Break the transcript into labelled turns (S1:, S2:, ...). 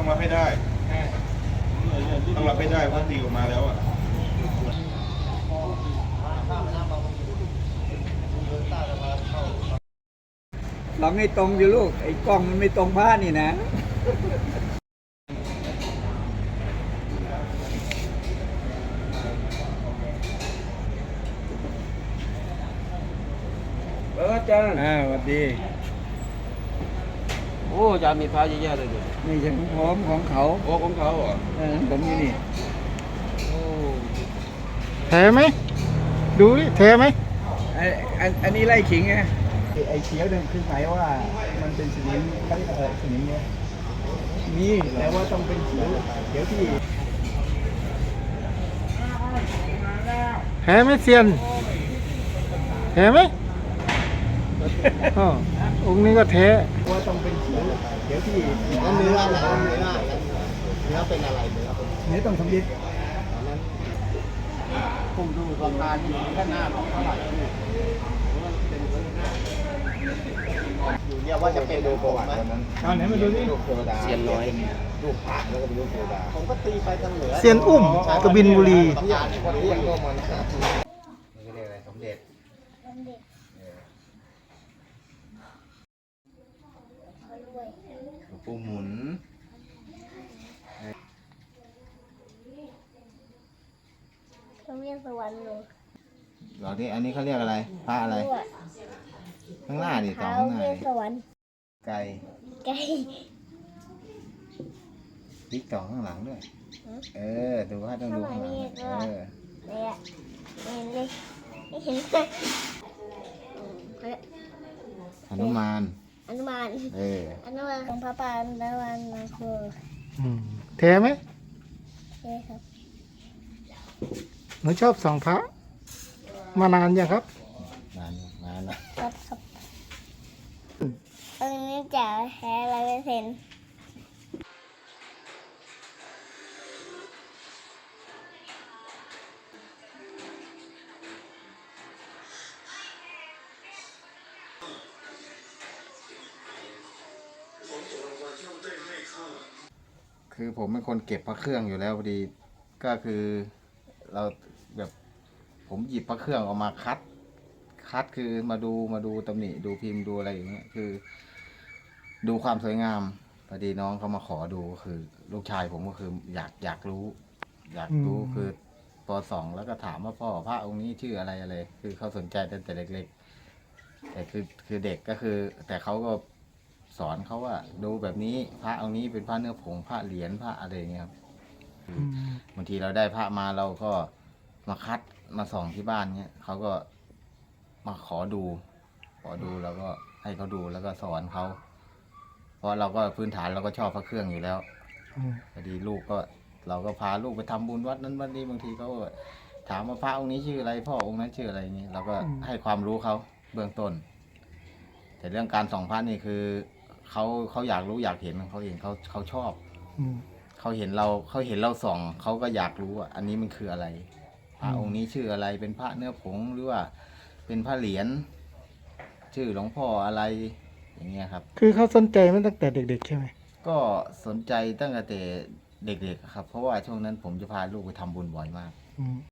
S1: รับให้ได้ต้องรับให้ได้เพราะตีออกมาแล้วอ่ะ
S2: ลองให้ตรงอยู่ลูกไอ้กล้องมันไม่ตรงผ้านี่นะ
S3: อาจารย์
S2: สวัสดี
S3: โอ้อาจารย์มีพระเยอะแยะเลยดิ
S2: นี่ฉันพร้อมของเขา
S1: โอ้ของเขาเหรอ
S2: ผมอยู่นี่
S3: โอ้
S4: แท้ไหมดูดิแท้ไหม
S2: อันนี้ไล่ขิงไงไอ้เขียวเนี่ยคือหมายว่ามันเป็นสนิมเขาเรียกสนิมเนี่ยมีแต่ว่าต้องเป็นเขียวที่
S4: แท้ไหมเซียนแท้ไหมอ๋อองค์นี้ก็แท้
S2: ว่าต้องเป็นเขียวที่
S5: แล้วเนื้ออะไรเนื้อเป็นอะไรเนื้อเป็น
S2: เนื้อต้องสำลิด
S5: ผมดูราคาที่แค่หน้าของเท่าไหร่อยู่เนี่ยว่าจะเป็นดูประวัติวันนั้น
S2: เอาไหนมาดูดิ
S5: รูปเทวดา
S3: เซียนน้อย
S5: รูปพระแล้วก็เป็นรูปเทวดาผมก็ตีไปทางเหนือ
S4: เซียนอุ้มกบินบุรี
S5: เที่ยงคนเที่ยงก็มันนี่เรียกอะไรสมเด็จหลวงปู่หมุน
S6: เขาเรียกสวรรค์หนู
S5: เหล่านี้อันนี้เขาเรียกอะไรพระอะไร ข้างหน้าดิต่อ
S6: เขา
S5: ข้างหน้า
S6: เรียก
S5: ดิ
S6: สวรรค์
S5: ไก่
S6: ไก่
S5: ติ๊กต่อข้างหลังด้วยดูว่าต้องดูข้างหลัง
S6: เนี่ยเห็นเลยไม่เห็นเลย
S5: หนุมาน
S6: อนุมานอนุมานของพระปานอนุมานนาคู
S4: แท้ไหม
S6: ใช่ครับ
S4: หนูชอบส่องพระมานานยังครับ
S5: นานละ
S6: ครับครับอันนี้จะแท้100%
S5: คือผมเป็นคนเก็บพระเครื่องอยู่แล้วพอดีก็คือเราแบบผมหยิบพระเครื่องออกมาคัดคือมาดูตำหนิดูพิมพ์ดูอะไรอย่างเงี้ยคือ ดูความสวยงามพอดีน้องเขามาขอดูคือลูกชายผมก็คืออยากรู้คือป .2 แล้วก็ถามว่าพ่อพระองค์นี้ชื่ออะไรคือเขาสนใจตั้งแต่เล็กๆแต่คือเด็กก็คือ แต่เขาก็สอนเขาว่าดูแบบนี้พระองค์นี้เป็นพระเนื้อผงพระเหรียญพระอะไรอย่างเงี้ยครับบางทีเราได้พระมาเราก็มาคัดมาส่องที่บ้านเงี้ยเขาก็มาขอดูแล้วก็ให้เขาดูแล้วก็สอนเขาเพราะเราก็พื้นฐานเราก็ชอบพระเครื่องอยู่แล้วพอดีลูกก็เราก็พาลูกไปทำบุญวัดนั้นวัดนี้บางทีเขาก็ถามว่าพระองค์นี้ชื่ออะไรพ่อองค์นั้นชื่ออะไรอย่างนี้เราก็ให้ความรู้เขาเบื้องต้นแต่เรื่องการส่องพระนี่คือเขาอยากรู้อยากเห็นเขาเองเขาชอบเขาเห็นเราส่องเขาก็อยากรู้ว่าอันนี้มันคืออะไรพระองค์นี้ชื่ออะไรเป็นพระเนื้อผงหรือว่าเป็นพระเหรียญชื่อหลวงพ่ออะไรอย่างเงี้ยครับ
S4: คือเขาสนใจมาตั้งแต่เด็กๆใช่ไหม
S5: ก็สนใจตั้งแต่เด็กๆครับเพราะว่าช่วงนั้นผมจะพาลูกไปทำบุญบ่อยมาก